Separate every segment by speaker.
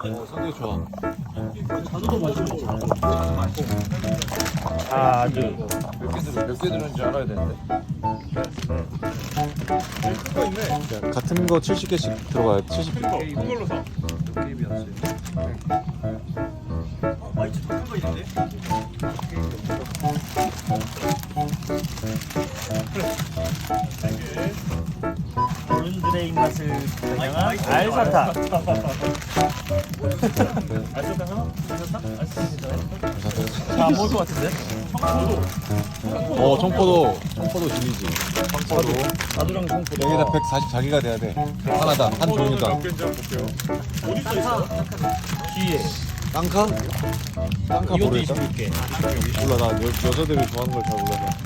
Speaker 1: 상당히 좋아.
Speaker 2: 자두도 맛있고
Speaker 3: 자두.
Speaker 1: 몇 개 들었는지 알아야 되는데.
Speaker 3: 큰거 있네.
Speaker 1: 같은 거 70개씩 들어가요. 70개.
Speaker 3: 큰 걸로 사.
Speaker 2: 게임이었어요. 아 이제 작은 거 있는데?
Speaker 4: 어른들의 입맛을 겨냥한 알사탕.
Speaker 3: 알사탕 하나?
Speaker 4: 자, 먹을 것 같은데?
Speaker 1: 청포도 질리지. 청포도.
Speaker 4: 자두랑 청포도.
Speaker 1: 여기다 140 자기가 돼야 돼. 하나다. 한 종류다.
Speaker 3: 몇 개인지 한번 볼게요. 어디 써 있어?
Speaker 4: 뒤에.
Speaker 1: 땅카? 땅카
Speaker 4: 이것도
Speaker 1: 모르겠다.
Speaker 4: 26개.
Speaker 1: 몰라 나 여자들이 좋아하는 걸 잘 몰라서.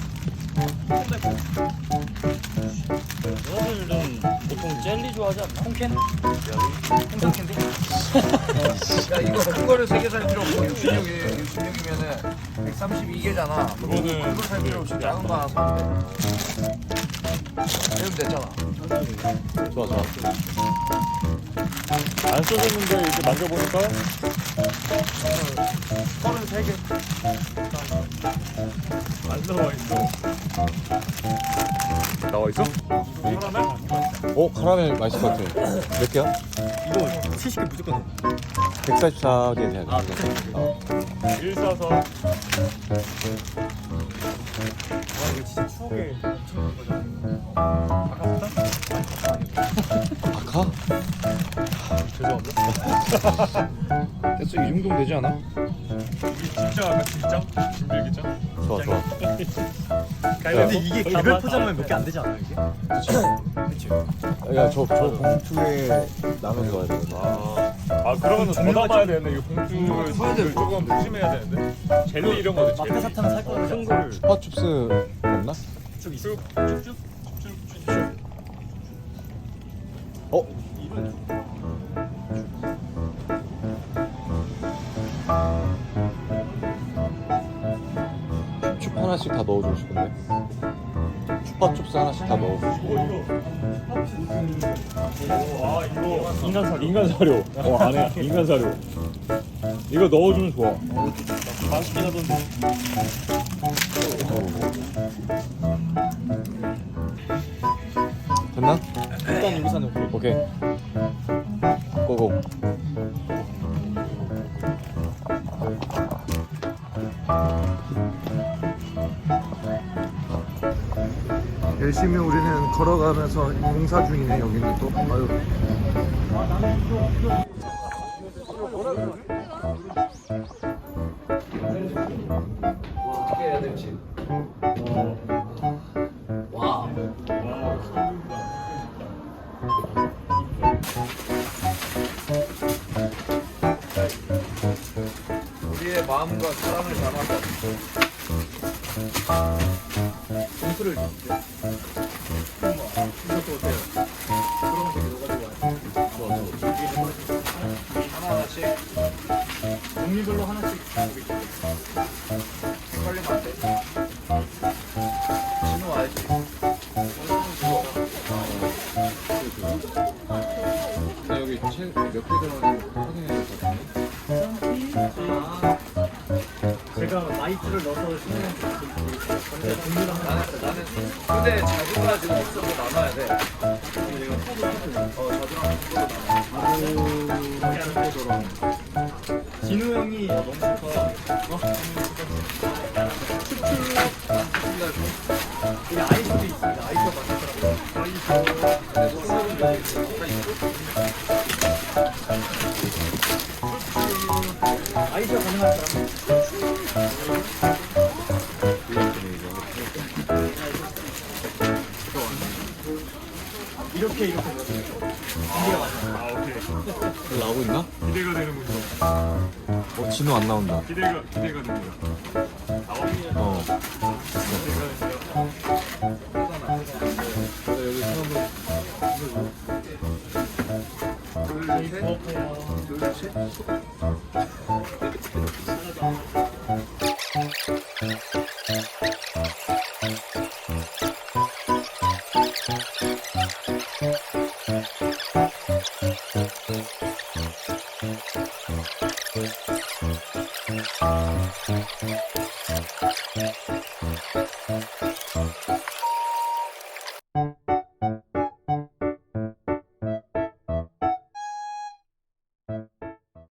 Speaker 4: 여자들은 보통 젤리 좋아하지 않나? 콩캔? 콩캔디?
Speaker 5: 야 이거 큰 거를 3개 살 필요 없고 66이면은 132개잖아.
Speaker 3: 그거는
Speaker 5: 큰거 살 필요 없이 작은 거 하나 사면 돼. 이러면 됐잖아.
Speaker 1: 좋아.
Speaker 3: 안 써졌는데 이렇게 만져보니까
Speaker 5: 33개.
Speaker 3: 안 나와 있어. 나와 있어?
Speaker 1: 카라멜 맛있을 것 같아. 몇 개야?
Speaker 2: 이거 70개 무조건
Speaker 1: 144개 돼야 돼.
Speaker 3: 144.
Speaker 2: 와 이거 진짜 추억의 엄청난 거잖아.
Speaker 1: 아카?
Speaker 3: 죄송합니다.
Speaker 1: 됐어, 이 정도면 되지 않아?
Speaker 3: 이게 진짜 아까 진짜? 진들기장?
Speaker 1: 좋아.
Speaker 2: 근데 이게 개별 포장하면 몇 개 안 되지 않아요 이게?
Speaker 1: 야, 저 봉투에 나눠서 가야 돼.
Speaker 3: 아 그러면은 더 담아야 되는데 이거 봉투를 조금 조심해야 되는데 젤리 이런 거는 젤리
Speaker 2: 마카 사탕 살 거는 큰 거를
Speaker 1: 슈퍼춥스 없나?
Speaker 2: 쭉 있어.
Speaker 3: 쭉쭉
Speaker 1: 어? 춥 하나씩 다 넣어주고 싶은데. 슈퍼춥스 하나씩 다 넣어주고 싶어.
Speaker 3: 아 이거 인간 사료 안에 인간 사료 이거 넣어주면 좋아.
Speaker 4: 맛있긴 하던데.
Speaker 1: 됐나?
Speaker 2: 일단 여기서 넣고.
Speaker 1: 오케이. 고고. 열심히 우리는 걸어가면서 공사 중이네. 여기는 또. 아유.
Speaker 5: 어떻게 해야 될지. 우리의 마음과 사랑을 담아서 봉투를 줄게요. 이것도 어때요? 그런 거 넣어가지고 와요. 하나하나씩
Speaker 2: 종류별로 하나씩.
Speaker 5: 빨리 맞대. 진우 와야지.
Speaker 1: 여기 몇 개 들어가는지 확인해야 될 것 같은데.
Speaker 2: 제가 마이크를 넣어서 신경 근데 종류를 하나.
Speaker 5: 나는 근데 자두가 지금 없어서 나눠야 돼. 자두랑
Speaker 2: 자두랑 진우 형이 너무 좋아서 우리 아이스도 있습니다. 아이스가 맛있더라고요. 아이스가 가능한 사람? 이렇게 이렇게
Speaker 3: 아 오케이
Speaker 1: 나오고 있나?
Speaker 3: 기대가 되는군요.
Speaker 1: 진우 안 나온다.
Speaker 3: 기대가 됩니다.
Speaker 1: 어.